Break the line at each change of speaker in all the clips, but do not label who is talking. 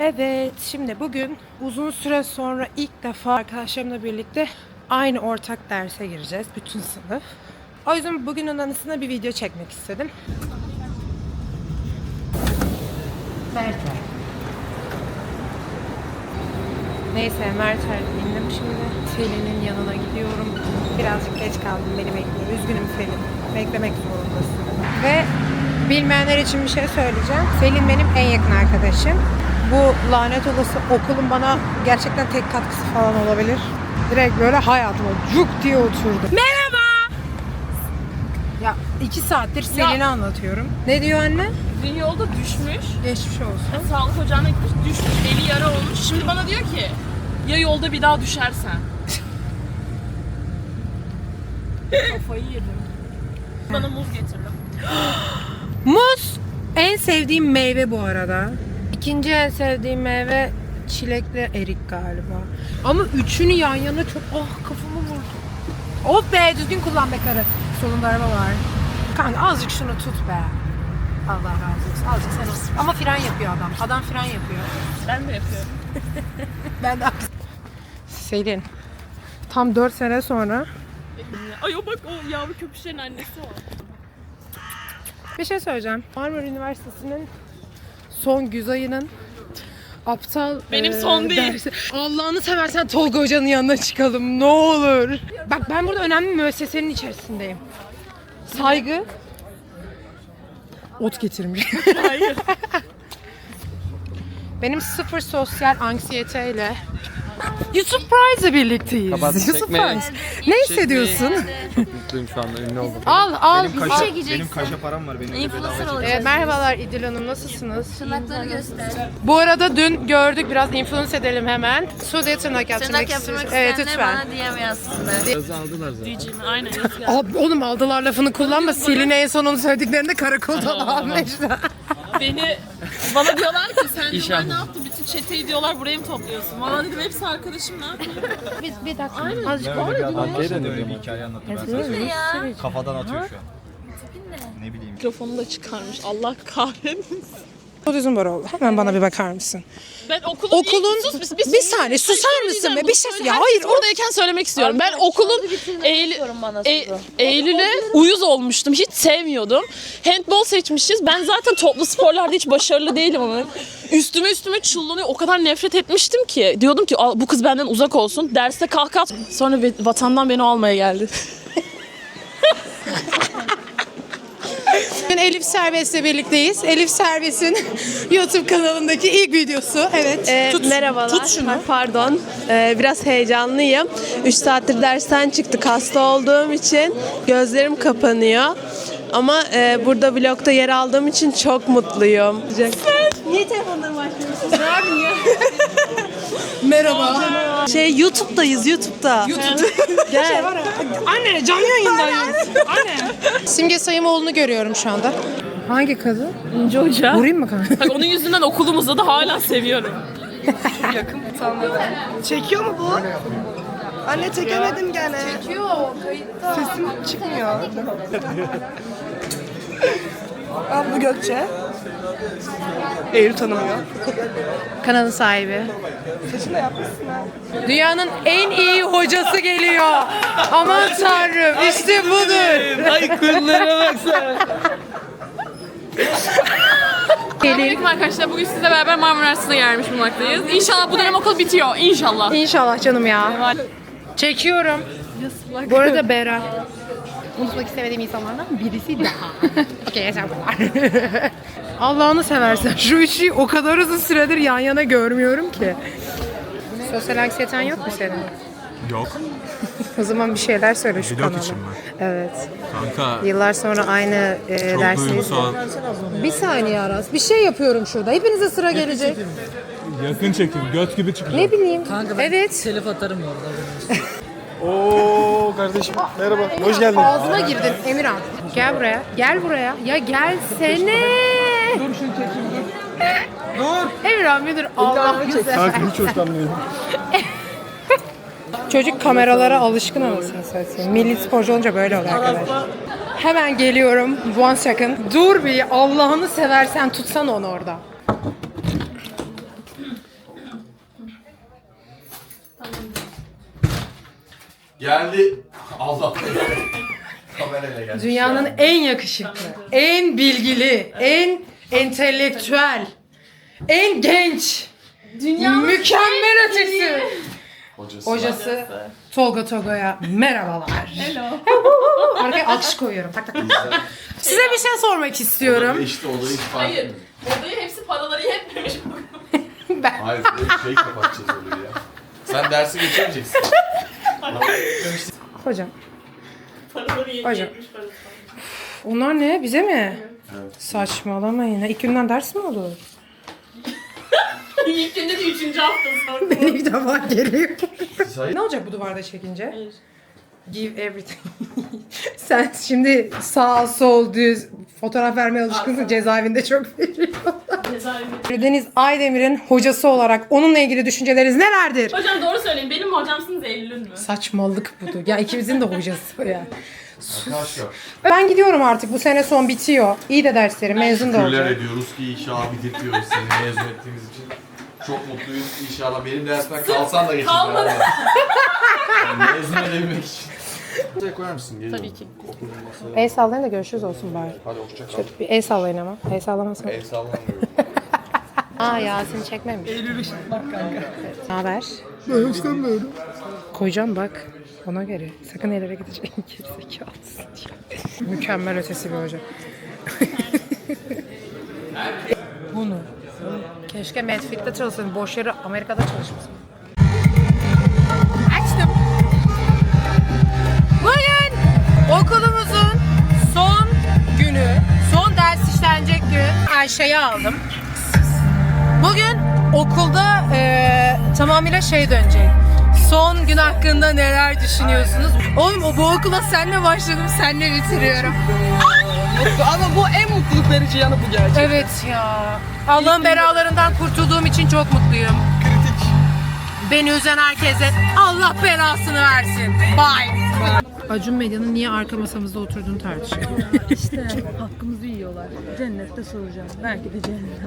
Evet, şimdi bugün uzun süre sonra ilk defa arkadaşlarımla birlikte aynı ortak derse gireceğiz, bütün sınıf. O yüzden bugünün anısına bir video çekmek istedim. Mertler. Neyse, Mertler'e indim şimdi. Selin'in yanına gidiyorum. Birazcık geç kaldım, beni bekliyor. Üzgünüm Selin, beklemek zorundasın. Ve bilmeyenler için bir şey söyleyeceğim. Selin benim en yakın arkadaşım. Bu lanet olası okulun bana gerçekten tek katkısı falan olabilir. Direkt böyle hayatıma cuk diye oturdu. Merhaba! Ya 2 saattir Selin'e anlatıyorum. Ne diyor anne?
Dün yolda düşmüş.
Geçmiş olsun.
Sağlık ocağına gitmiş, düşmüş, eli yara olmuş. Şimdi bana diyor ki, ya yolda bir daha düşersen. Kafayı yedim. Bana muz getirdim.
Muz en sevdiğim meyve bu arada. İkinci en sevdiğim meyve çilekle erik galiba. Ama üçünü yan yana çok kafamı vurdu. Of be, düzgün kullan be karı. Solunda araba var. Kanka azıcık şunu tut be. Allah razı olsun. Azıcık sen olsun. Ama fren yapıyor adam. Adam fren yapıyor.
Ben de yapıyorum.
Ben de Selin. Tam 4 sene sonra
Ay o bak, o yavru köpüşlerin annesi o.
bir şey söyleyeceğim. Marmara Üniversitesi'nin son güz ayının aptal
Benim son değil.
dersi. Allah'ını seversen Tolga Hoca'nın yanına çıkalım ne olur. Bak ben burada önemli bir müessesenin içerisindeyim. Saygı. Ot getirmiş.
Hayır.
Benim sıfır sosyal anksiyeteyle You Surprise'la birlikteyiz.
Kapat,
You
çekmeyin.
Surprise. Ne hissediyorsun?
Çok mutluyum şu anda, ünlü oldum.
Al.
Benim kaşa param var. Benim
Influencer olacak.
Merhabalar İdil Hanım, nasılsınız?
Tırnakları göster.
Bu arada dün gördük, biraz influence edelim hemen. Sude tırnak yaptırmak
Tırnak yaptırmak
istiyoruz. Evet
isteyenler
lütfen.
bana DM yazsınlar.
Yazı aldılar zaten.
Diyeceğim, aynen. yazıyor.
Abi, oğlum aldılar lafını kullanma. Selin'e en son onu söylediklerinde karakoldan almışlar.
Bana diyorlar ki sen
İş
diyorlar, ne
yapmış.
yaptın? Bütün çeteyi diyorlar buraya mı topluyorsun? Valla dedim hepsi arkadaşım, ne yapayım?
Bir dakika. Azıcık
Öyle bir hikaye anlattım ben sana. Kafadan atıyor şu an. Ne bileyim.
Mikrofonu da çıkarmış. Allah kahretsin.
Otizm var oldu. Hemen bana bir bakar mısın?
Ben okulun
bir saniye susar mısın be? Bir şey ya hayır.
Oradayken söylemek istiyorum. Ben okulun Eylül'e uyuz olmuştum. Hiç sevmiyordum. Handball seçmişiz. Ben zaten toplu sporlarda hiç başarılı değilim ama üstüme çullanıyor. O kadar nefret etmiştim ki. Diyordum ki bu kız benden uzak olsun. Derste kalk. Sonra vatandan beni almaya geldi.
Bugün Elif Serbest'le birlikteyiz. Elif Serbest'in YouTube kanalındaki ilk videosu. Evet.
Merhabalar.
Tut şunu.
Pardon. Biraz heyecanlıyım. 3 saattir dersten çıktık. Hasta olduğum için gözlerim kapanıyor. Ama burada vlogda yer aldığım için çok mutluyum. Niye telefonlarımı açmıyorsunuz? Ne yapayım ya?
Merhaba.
YouTube'dayız, YouTube'da.
Gel. Anne canlı yayındayız. Anne. Simge Sayımoğlu'nu görüyorum şu anda. Hangi kadın?
İnce Hoca.
Vurayım mı kanka?
Bak, onun yüzünden okulumuzda da hala seviyorum.
Çekiyor mu bu? Anne çekemedim gene. Çekiyor, kayıtta. Sesim çıkmıyor. Al bu Gökçe. Eylül tanımıyor.
Kanalın sahibi.
Saçını da yapmışsın ha.
Dünyanın en iyi hocası geliyor. Aman tanrım, işte budur.
Ay kırlara baksana.
Selamünaleyküm arkadaşlar. Bugün sizle beraber Marmara Üniversitesi'ne gelmiş bulunmaktayız. İnşallah bu dönem okul bitiyor. İnşallah.
İnşallah canım ya. Çekiyorum. Bu arada Bera. Unutmak istemediğim insanlardan birisi daha. Okey, yeter bu var. Allah'ını seversen şu üçü o kadar uzun süredir yan yana görmüyorum ki. Sosyal anksiyeten yok mu senin?
Yok.
O zaman bir şeyler söyle şu
Vlog
kanala.
için mi?
Evet.
Kanka
Yıllar sonra aynı
çok
dersi.
duygusal.
Bir saniye Aras. Bir şey yapıyorum şurada. Hepinize sıra gelecek.
Yakın çekim. Göt gibi çıkıyor.
Ne bileyim. Evet.
Telif atarım ya orada.
Oo kardeşim merhaba. Hoş geldin.
Ağzına girdin Emirhan. Gel buraya. Gel buraya. Ya gelsene.
Dur şunu çekeyim dur.
Emirhan müdür Allah güzel.
Kanka hiç hoşlanmıyorum.
Çocuk kameralara alışkın anasını satayım. Milli sporcu olunca böyle oluyor arkadaşlar. Hemen geliyorum. 1 second. Dur bir, Allah'ını seversen tutsan onu orada.
Geldi. Allah. Kamerayla geldi.
Dünyanın en yakışıklı, en bilgili, en entelektüel, en genç, mükemmel ötesi hocası Tolga Toga'ya merhabalar. Hello. Arkaya alkış koyuyorum. Tak tak tak. Size bir şey sormak istiyorum.
İşte olayı hiç fark
Hayır.
etmedim.
Odayı hepsi paraları yetmemiş.
Hayır, şey kapatacağız olayı ya. Sen dersi geçemeyeceksin.
Hocam,
Paraları
Hocam.
yetmemiş.
onlar ne? Bize mi?
Evet.
Saçmalamayın. İlk günden ders mi olur?
İlk günde de 3. hafta sonra.
Beni bir defa geliyor.
Hayır.
Ne olacak bu duvarda çekince?
Hayır.
Give everything. Sen şimdi sağ sol düz fotoğraf vermeye alışkınsın. Cezaevinde çok veriyorlar.
Cezaevinde.
Deniz Aydemir'in hocası olarak onunla ilgili düşünceleriniz nelerdir?
Hocam doğru söyleyin. Benim mi hocamsınız Eylül mü?
Saçmalık budur. Ya ikimizin de hocası ya.
Arkadaşlar.
Ben gidiyorum artık. Bu sene son bitiyor. İyi de derslerim. Mezun da
Şükürler
olacağım.
ediyoruz ki inşallah bitirtiyoruz seni mezun ettiğimiz için. Çok mutluyuz inşallah. Benim dersimden kalsan da geçin.
kalmadı.
Yani mezun edebilmek için. Masaya koyar mısın? Geliyorum.
Tabii ki.
El sallayın da görüşürüz olsun bari.
Hadi hoşça kal.
Şöyle bir el sallayın ama. El sallamazsın.
El sallamıyorum.
Aa Yasin çekmemiş. Eylül bak kanka. Ne haber? Ben istemiyorum. Koyacağım bak. Ona göre. Sakın ellere gidecek. Gerizekalısın. Mükemmel ötesi bir hoca. Bunu. Keşke Medfit'te çalışsın. Boş yere Amerika'da çalışmasın. Açtım. Bugün okulumuzun son günü. Son ders işlenecek gün. Ayşe'yi aldım. Bugün okulda tamamıyla şey dönecek. Son gün hakkında neler düşünüyorsunuz? Oğlum bu okula senle başladım, senle bitiriyorum.
Ama bu en mutluluk verici yanı bu gerçekten.
Evet ya. Allah'ın belalarından kurtulduğum için çok mutluyum.
Kritik.
Beni üzen herkese Allah belasını versin. Bye. Acun Medya'nın niye arka masamızda oturduğunu tartışıyor.
İşte hakkımızı yiyorlar. Cennette soracağım. Belki de cennet.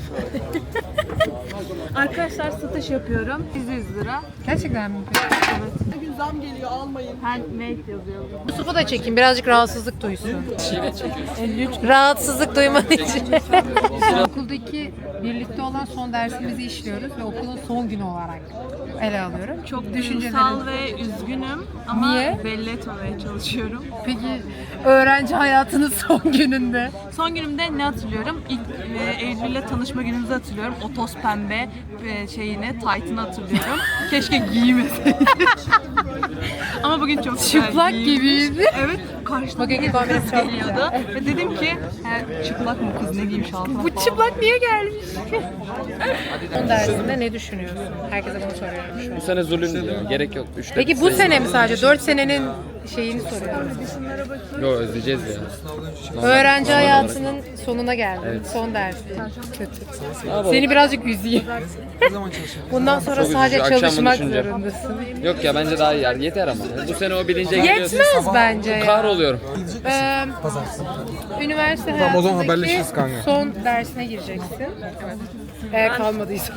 Arkadaşlar satış yapıyorum. 100 lira.
Gerçekten mi?
Bugün zam geliyor almayın.
Handmade yazıyor.
Yusuf'u da çekeyim. Birazcık rahatsızlık duysun. Rahatsızlık duymadığı için. Okuldaki birlikte olan son dersimizi işliyoruz ve okulun son günü olarak ele alıyorum.
Çok
Düşüncelerin-
duygusal ve üzgünüm ama
Niye?
belli etmemeye çalışıyorum.
Peki öğrenci hayatının son gününde.
Son günümde ne hatırlıyorum? İlk Eylül'le tanışma günümüzü hatırlıyorum. O toz pembe şeyini, tight'ını hatırlıyorum. Keşke giymeseydim. Ama bugün çok güzel
Çıplak
giyinmiş.
gibiydi.
Evet, karşıdan
Bugün
bir
kombin
kız
çok
geliyordu. Ve dedim ki, çıplak mı kız ne giymiş altına
Bu
falan.
çıplak niye gelmiş? Son dersinde ne düşünüyorsun? Herkese bunu soruyorum şu an.
Bu sene zulüm diyor. Gerek yok.
Peki bu sene mi sadece? 4 senenin şeyini soruyorum.
Yok özleyeceğiz ya.
Öğrenci hayatının sonuna geldim. Son dersi. Kötü. Seni birazcık üzeyim. Bundan sonra
Çok
sadece
üzücü. Akşam bunu
çalışmak
düşüneceğim.
zorundasın.
Yok ya bence daha iyi yer. Yeter ama. Bu sene o bilince geliyorsun.
Yetmez bence ya.
Kahroluyorum.
Üniversite
Tamam, o zaman
hayatındaki
haberleşiriz kanka.
son dersine gireceksin. Eğer kalmadıysa.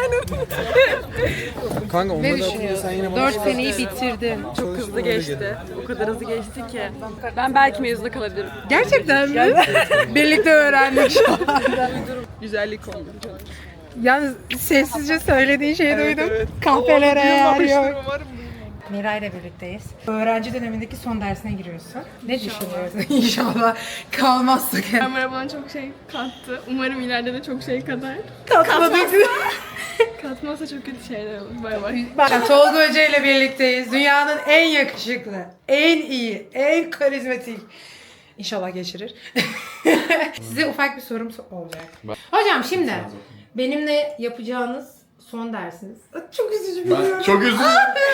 Kanka
Ne
onları da
düşünüyorsun?
sen yine
4 seneyi bitirdin.
Çok hızlı geçti. O kadar hızlı geçti ki. Ben belki mezuna kalabilirim.
Gerçekten mi? Birlikte öğrendik şu anda.
Güzellik oldu.
Yalnız sessizce söylediğin şeyi duydum. Kahvelere yer yok. Miray ile birlikteyiz. Öğrenci dönemindeki son dersine giriyorsun. Ne düşünüyorsun? İnşallah kalmazsak.
Kamera bana çok şey kattı. Umarım ileride de çok şey kadar.
Katmadık.
Katmazsa çok kötü şeyler olur. Bay bay.
Bak Tolga Hoca ile birlikteyiz. Dünyanın en yakışıklı, en iyi, en karizmatik. İnşallah geçirir. Size ufak bir sorum olacak. Hocam şimdi benimle yapacağınız son dersiniz. Çok üzücü biliyorum.
Çok üzüldüm.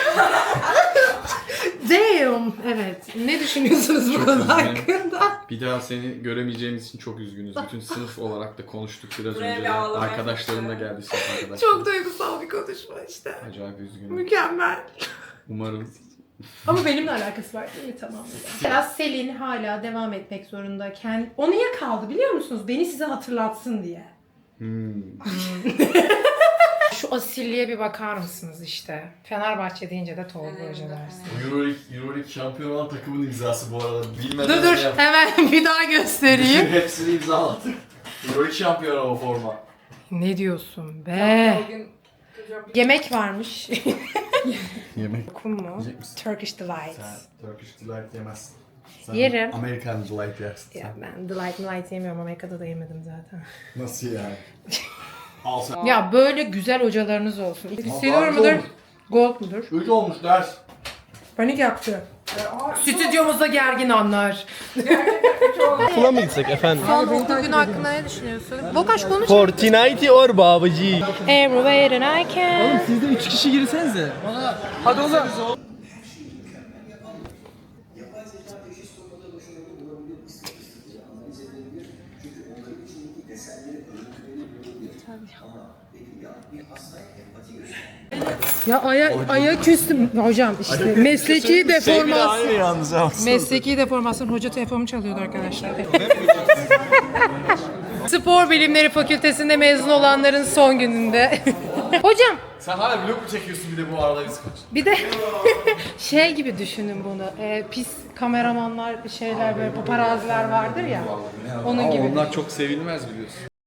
Damn. Evet. Ne düşünüyorsunuz bu konu
üzgünüm.
hakkında?
Bir daha seni göremeyeceğimiz için çok üzgünüz. Bütün sınıf olarak da konuştuk biraz önce de. Arkadaşlarım da geldi sınıf arkadaşlar.
Çok duygusal bir konuşma işte.
Acayip üzgünüm.
Mükemmel.
Umarım.
Ama benimle alakası var değil mi? Tamam. Biraz Selin hala devam etmek zorunda. O niye kaldı biliyor musunuz? Beni size hatırlatsın diye. Şu şu asilliğe bir bakar mısınız işte. Fenerbahçe deyince de Tolga Hoca dersin.
Euroleague şampiyon olan takımın imzası bu arada. Bilmeden
Dur hemen bir daha göstereyim.
Hepsini imzaladık. Euroleague şampiyonu o forma.
Ne diyorsun be? Yemek varmış.
Yemek
Okun mu?
yiyecek misin?
Turkish Delight.
Turkish Delight yemezsin. Sen
Yerim.
American Delight yersin.
Ya ben Delight yemiyorum. Amerika'da da yemedim zaten.
Nasıl yani? Al sen.
Ya böyle güzel hocalarınız olsun. Silver mudur? Gold mudur?
3 olmuş ders.
Panik yaptı. Stüdyomuzda gergin anlar.
Okula mı gitsek efendim?
Son okul günü hakkında ne düşünüyorsun? Bokaş konuş.
Fortnite or babacı.
Everywhere and I can.
Siz de 3 kişi girsenize. Hadi oğlum.
Ya aya küstüm hocam işte mesleki deformasyon.
yalnız ama.
Mesleki deformasyon. Hoca telefonumu çalıyordu arkadaşlar. Spor Bilimleri Fakültesinde mezun olanların son gününde. Hocam
Sen hala vlog mu çekiyorsun bir de bu arada biz kaç?
bir de şey gibi düşünün bunu. Pis kameramanlar şeyler böyle paparaziler vardır ya. Onun gibi.
Onlar çok sevilmez biliyorsun.